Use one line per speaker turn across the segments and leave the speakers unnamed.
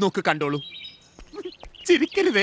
നോക്ക് കണ്ടോളൂ, ചിരിക്കരുതേ.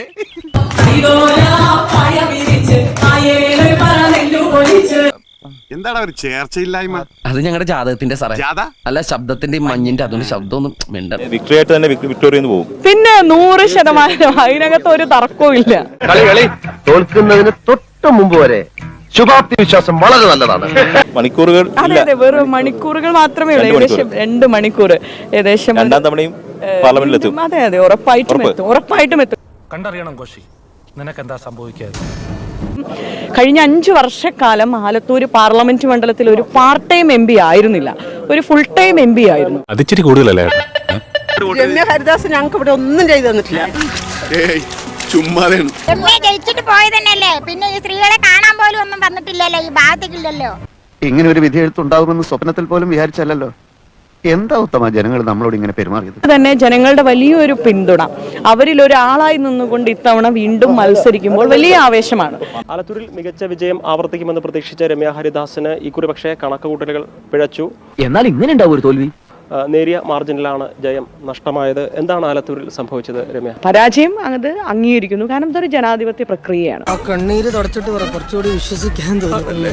എന്താണ് ഒരു ചേർച്ചയില്ലായ്മ?
അത് ഞങ്ങളുടെ ജാതകത്തിന്റെ സാറേ, അല്ല ശബ്ദത്തിന്റെ മഞ്ഞിന്റെ അതുകൊണ്ട് ശബ്ദമൊന്നും മിണ്ട.
വിക്ടറി ആയിട്ട് തന്നെ വിക്ടോറിയ പോകും.
പിന്നെ 100% അതിനകത്ത് ഒരു തർക്കവും ഇല്ല.
കളി തോൽക്കുന്നതിന് തൊട്ട് മുമ്പ് വരെ ശുഭാപ്തി വിശ്വാസം വളരെ നല്ലതാണ്.
മണിക്കൂറുകൾ
അതെ, വെറും മണിക്കൂറുകൾ മാത്രമേ ഉള്ളൂ. ഏകദേശം 2 മണിക്കൂർ ഏകദേശം.
രണ്ടാം തവണയും പാർലമെന്റിലെത്തും.
അതെ, ഉറപ്പായിട്ടും എത്തും.
കണ്ടറിയണം കോശി, നിനക്കെന്താ സംഭവിക്കാതെ.
കഴിഞ്ഞ 5 വർഷക്കാലം ആലത്തൂർ പാർലമെന്റ് മണ്ഡലത്തിൽ ഒരു പാർട്ട് ടൈം MP ആയിരുന്നില്ല, ഒരു ഫുൾ ടൈം MP ആയിരുന്നു.
അതിച്ചിരി കൂടുതലല്ലേ?
രമ്യ ഹരിദാസ് ഞങ്ങൾക്ക് ഇവിടെ ഒന്നും ചെയ്തു തന്നിട്ടില്ല.
ജയിച്ചിട്ട് പോയതന്നെയല്ലേ, പിന്നെ ഈ സ്ത്രീകളെ കാണാൻ പോലും ഒന്നും വന്നിട്ടില്ലല്ലോ, ഈ ഭാഗത്തേക്കില്ലല്ലോ.
ഇങ്ങനെ ഒരു വിധി എഴുത്തുണ്ടാകുമെന്ന് സ്വപ്നത്തിൽ പോലും വിചാരിച്ചല്ലോ. എന്താ ഉത്തമ ജനങ്ങൾ നമ്മളോട് ഇങ്ങനെ പെരുമാറിയത്?
തന്നെ ജനങ്ങളുടെ വലിയൊരു പിന്തുണ, അവരിൽ ഒരാളായി നിന്നുകൊണ്ട് ഇത്തവണ വീണ്ടും മത്സരിക്കുമ്പോൾ വലിയ ആവേശമാണ്.
ആലത്തൂരിൽ മികച്ച വിജയം ആവർത്തിക്കുമെന്ന് പ്രതീക്ഷിച്ച രമ്യ ഹരിദാസിന് ഇക്കുറി പക്ഷേ കണക്കുകൂട്ടലുകൾ പിഴച്ചു.
എന്നാൽ ഇങ്ങനെ ഉണ്ടാവും ഒരു തോൽവി.
നേരിയ മാർജിനിലാണ് ജയം നഷ്ടമായത്. എന്താണ് ആലത്തൂരിൽ സംഭവിച്ചത് രമ്യ?
പരാജയം അത് അംഗീകരിക്കുന്നു, കാരണം ഇതൊരു ജനാധിപത്യ പ്രക്രിയയാണ്.
കണ്ണീര് തുടച്ചിട്ട് കുറച്ചുകൂടി വിശ്വസിക്കാൻ തോന്നുന്നു.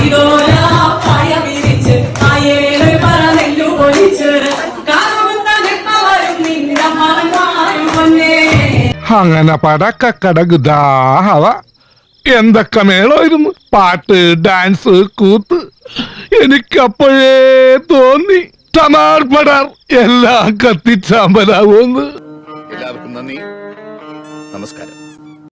അങ്ങനെ പടക്കടകുദാഹവ എന്തൊക്കെ മേളായിരുന്നു, പാട്ട്, ഡാൻസ്, കൂത്ത്. എനിക്കപ്പോഴേ തോന്നി ടമാർപടാർ എല്ലാം കത്തിച്ചാമ്പലാവുമെന്ന്.
എല്ലാവർക്കും നന്ദി, നമസ്കാരം.